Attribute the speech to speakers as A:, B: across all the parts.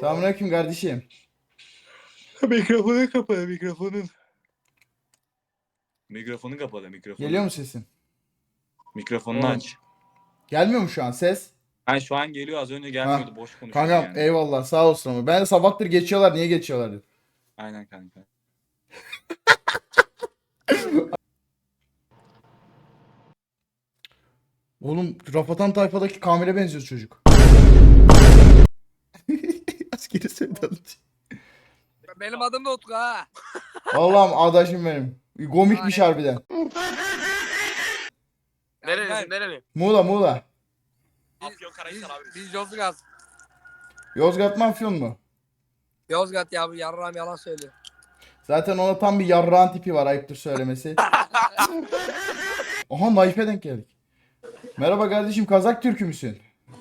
A: Selamünaleyküm kardeşim.
B: Mikrofonu kapalı mikrofonun. Mikrofonu kapalı mikrofonu.
A: Geliyor mu sesin?
B: Mikrofonunu
A: Oğlum.
B: aç.
A: Gelmiyor mu şu an ses?
B: Ha şu an geliyor, az önce gelmiyordu, boş konuşuyordu
A: Kankam
B: yani.
A: eyvallah sağ olsun ama. Ben de sabahtır geçiyorlar, niye geçiyorlar dedim.
B: Aynen kanka.
A: Oğlum Rafatan Tayfa'daki Kamil'e benziyor çocuk. Askeri sevdalı.
C: Benim adım da Utku ha.
A: Allah'ım adaşım benim. Komikmiş harbiden.
C: Nereli?
A: Muğla Muğla.
C: Biz Yozgat.
A: Yozgat mı Afyon mu?
C: Yozgat ya, bu yarram yalan söylüyor.
A: Zaten ona tam bir yarrağın tipi var, ayıptır söylemesi. Aha Naif'e denk geldik. Merhaba kardeşim, Kazak Türkü müsün?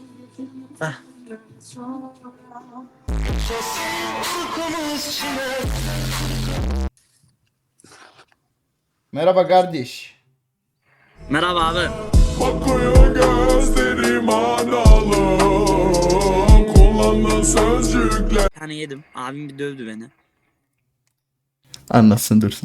A: Merhaba kardeş.
D: Merhaba abi.
E: Bakıyor gözlerim analı, kullandığı sözcükler.
D: Bir tane yedim. Abim bir dövdü beni.
A: Anlasın dursun.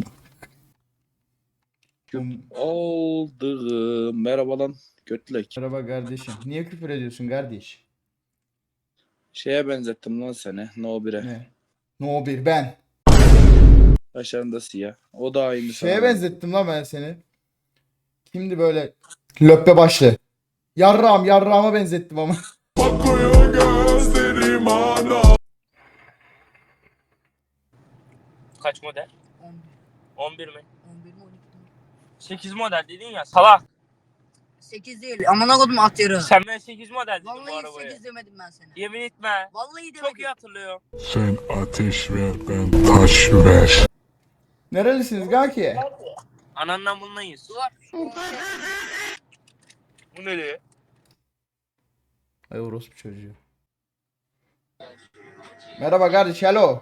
F: Oldu. Merhaba lan götlek.
A: Merhaba kardeşim. Niye küfür ediyorsun kardeş?
F: Şeye benzettim lan seni. No 1'e.
A: Ne? No bir ben.
F: Başlarında siyah. O da aynı
A: Şeye
F: sana.
A: benzettim lan ben seni. Kimdi böyle löppe başlı. Yarrağıma benzettim ama.
E: Bakıyor gözlerim analı.
G: Kaç model? 11 mi?
H: 11 mi 12 mi?
G: 8 model dedin ya salak.
H: 8 değil. Amına kodum at yarı.
G: Sen ben 8 model dedim bu
H: Vallahi
G: arabaya.
H: 8 demedim ben sana.
G: Yemin etme.
H: Vallahi demedim.
G: Çok iyi hatırlıyorum.
E: Sen ateş ver, ben taş ver.
A: Nerelisiniz Gaki?
G: Anandan bunlayız.
H: Duvar.
G: Bu ne diyor?
A: Ay orospu çocuğu. Merhaba kardeş, hello.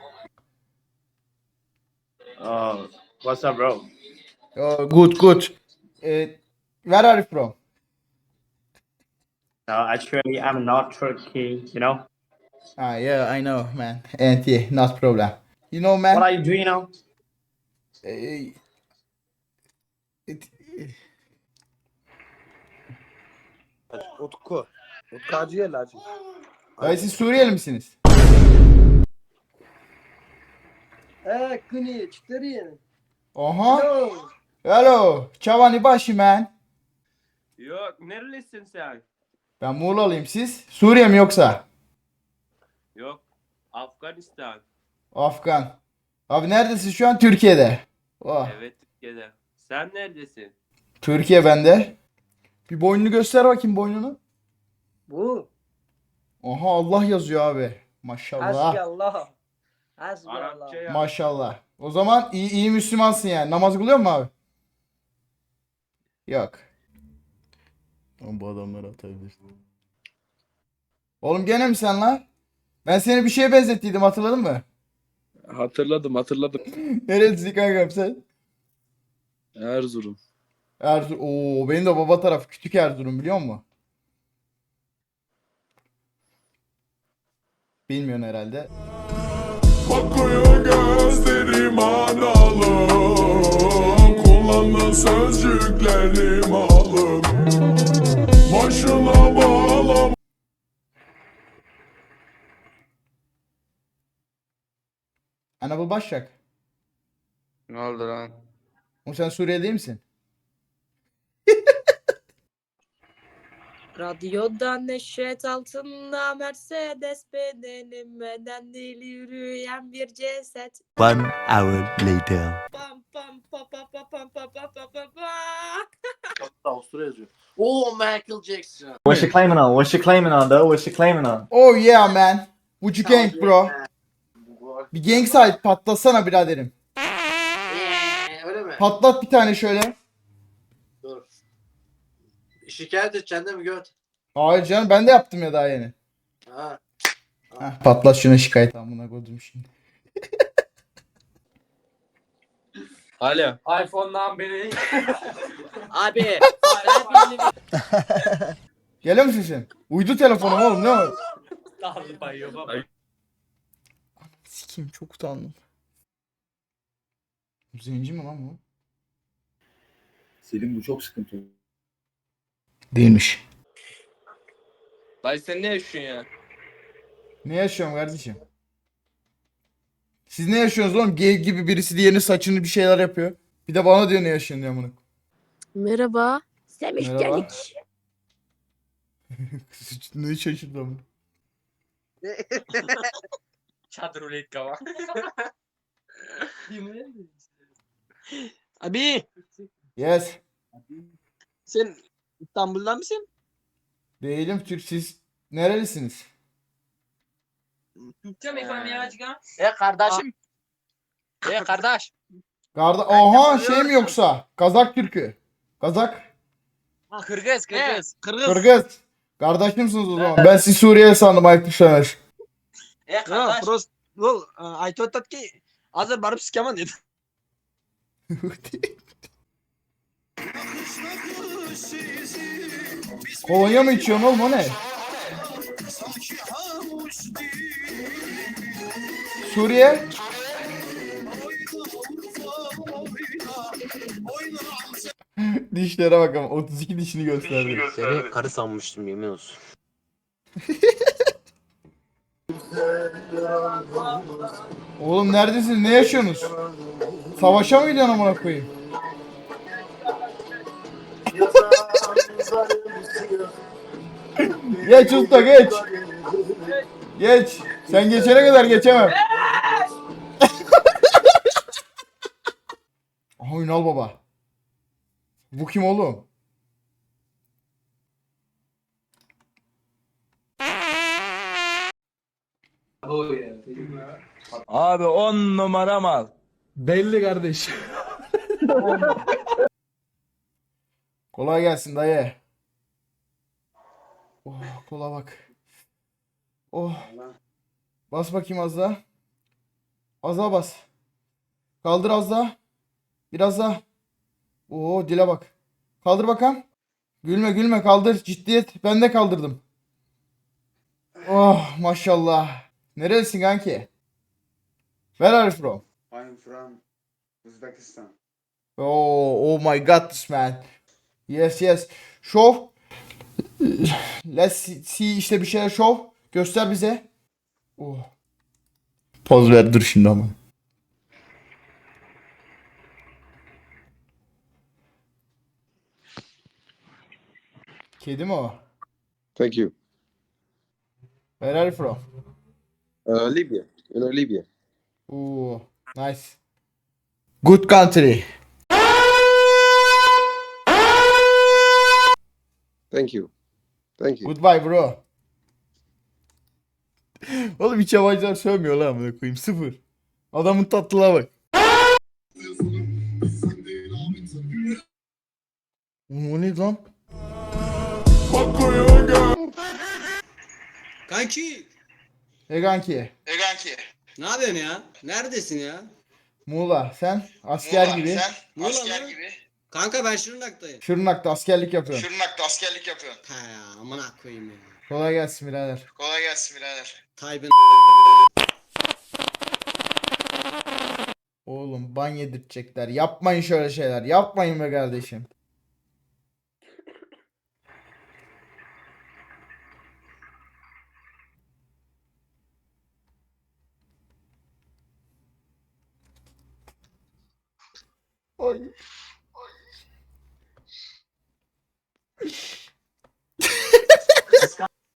I: What's up, bro?
A: Oh, good. Where are you from?
I: Actually, I'm not Turkey, you know?
A: Ah, yeah, I know, man. And yeah, not problem. You know, man.
I: What are you doing now?
A: eh, it-
J: Utku. Utku Hacı'ya Hacı.
A: Ay siz Suriyeli misiniz?
J: Kuni, çıkarı.
A: Aha. Hello. Çavani başı man.
I: Yok, nerelisin sen?
A: Ben Muğla'lıyım, siz? Suriye mi yoksa?
I: Yok, Afganistan.
A: Afgan. Abi neredesin şu an? Türkiye'de. Oh.
I: Evet, Türkiye'de. Sen neredesin?
A: Türkiye bende. Bir boynunu göster bakayım, boynunu.
J: Bu.
A: Oha, Allah yazıyor abi. Maşallah.
J: Hasbiyallah. Hasbiyallah.
I: Arapça ya.
A: Maşallah. O zaman iyi Müslümansın yani. Namaz kılıyor musun abi? Yok. Oğlum bu adamları atabilirsin. Oğlum gene mi sen lan? Ben seni bir şeye benzettiydim, hatırladın mı?
F: Hatırladım.
A: Nerelisin kankam sen?
F: Erzurum.
A: Erzurum. Oo, benim de baba tarafı küçük Erzurum, biliyor musun? Bilmiyorsun herhalde.
E: Bakıyor gözlerim analı, kullandığı sözcüklerim alın. Başına bağlam.
A: Anadolu Başak.
F: Ne oldu lan?
A: Oğlum sen Suriyeli değil misin?
K: Radyoda neşet altında Mercedes bedenimden deli yürüyen bir ceset.
L: 1 hour later.
K: Pam pam pa pa pa pam pa pa pa pa pa.
J: Avusturya yazıyor. Oo, Michael Jackson.
I: What's she claiming on? What's she claiming on, though? What's she claiming on?
A: Oh yeah man. Would you gang bro? Bir gang sahip patlasana biraderim.
J: Öyle mi?
A: Patlat bir tane şöyle.
J: Dur. Şikayet edeceksin değil mi göt?
A: Hayır canım, ben de yaptım ya daha yeni.
J: Ha.
A: Heh, patlat şuna şikayet. Amına koydum şimdi.
B: Alo.
G: iPhone'dan beri.
D: Abi.
A: Geliyor musun sen? Uydu telefonum oğlum, ne var?
G: Lazım ben yok ama.
A: Sikim çok utandım. Zenci mi lan bu?
F: Selim bu çok sıkıntı.
A: Değilmiş.
G: Dayı sen ne yaşıyorsun ya?
A: Ne yaşıyorum kardeşim? Siz ne yaşıyorsunuz oğlum? Gay gibi birisi diğerinin saçını bir şeyler yapıyor. Bir de bana diyor ne yaşıyorsun diye amına.
K: Merhaba. Semih
A: Merhaba.
K: Gelik.
A: Ne şaşırdım.
G: Çadır ulit kava.
C: Abi
A: Yes.
C: sen İstanbul'dan mısın?
A: Değilim Türk. Siz nerelisiniz?
C: Kardeşim. Kardeş.
A: Aha şey mi yoksa? Kazak Türkü. Kazak.
C: Kırgız.
A: Kırgız. Kardeşimsiniz o zaman. Ben sizi Suriye sandım ayıp düşer.
C: Prost. I thought that ki hazır barıp sikeman dedi.
A: Kolonya mı içiyorsun oğlum o ne? Suriye. Dişlere bakalım. 32 dişini gösterdi.
L: Seni karı sanmıştım yemin olsun.
A: Oğlum neredesiniz? Ne yaşıyorsunuz? Savaşa mı gidiyorsun amına koyayım? Geç usta geç. Geç. Sen geçene kadar geçemem. Aha Ünal baba. Bu kim oğlum?
F: Abi 10 numara mal.
A: Belli kardeş. Kolay gelsin dayı. Oh kola bak. Oh. Bas bakayım az daha. Az daha bas. Kaldır az daha. Biraz daha. Oo dile bak. Kaldır bakalım. Gülme gülme kaldır. Ciddiyet. Ben de kaldırdım. Oh maşallah. Nerelisin kanki? Where are you from?
J: I'm from Uzbekistan.
A: Oh my god this man. Yes yes. Show. Let's see işte bir şeyler show. Göster bize. Oh. Poz ver dur şimdi ama. Kedi mi o?
J: Thank you.
A: Where are you from?
J: Libya. Libya.
A: Ooh, nice. Good country.
J: Thank you. Thank you.
A: Goodbye bro. Oğlum hiç yabancılar sövmüyor lan amına koyayım. Sıfır. Adamın tatlılığa bak. Oğlum o ne lan?
C: Kanki.
A: Kanki.
C: Ne yapıyorsun ya? Neredesin ya?
A: Muğla. Sen asker gibi.
C: Muğla mı? Kanka ben Şırnak'tayım.
A: Şırnak'ta askerlik yapıyorsun.
C: He ya amına koyayım ya.
A: Kolay gelsin birader.
C: Tayyip'in
A: Oğlum ban yedirtecekler. Yapmayın şöyle şeyler. Yapmayın be kardeşim. Ay.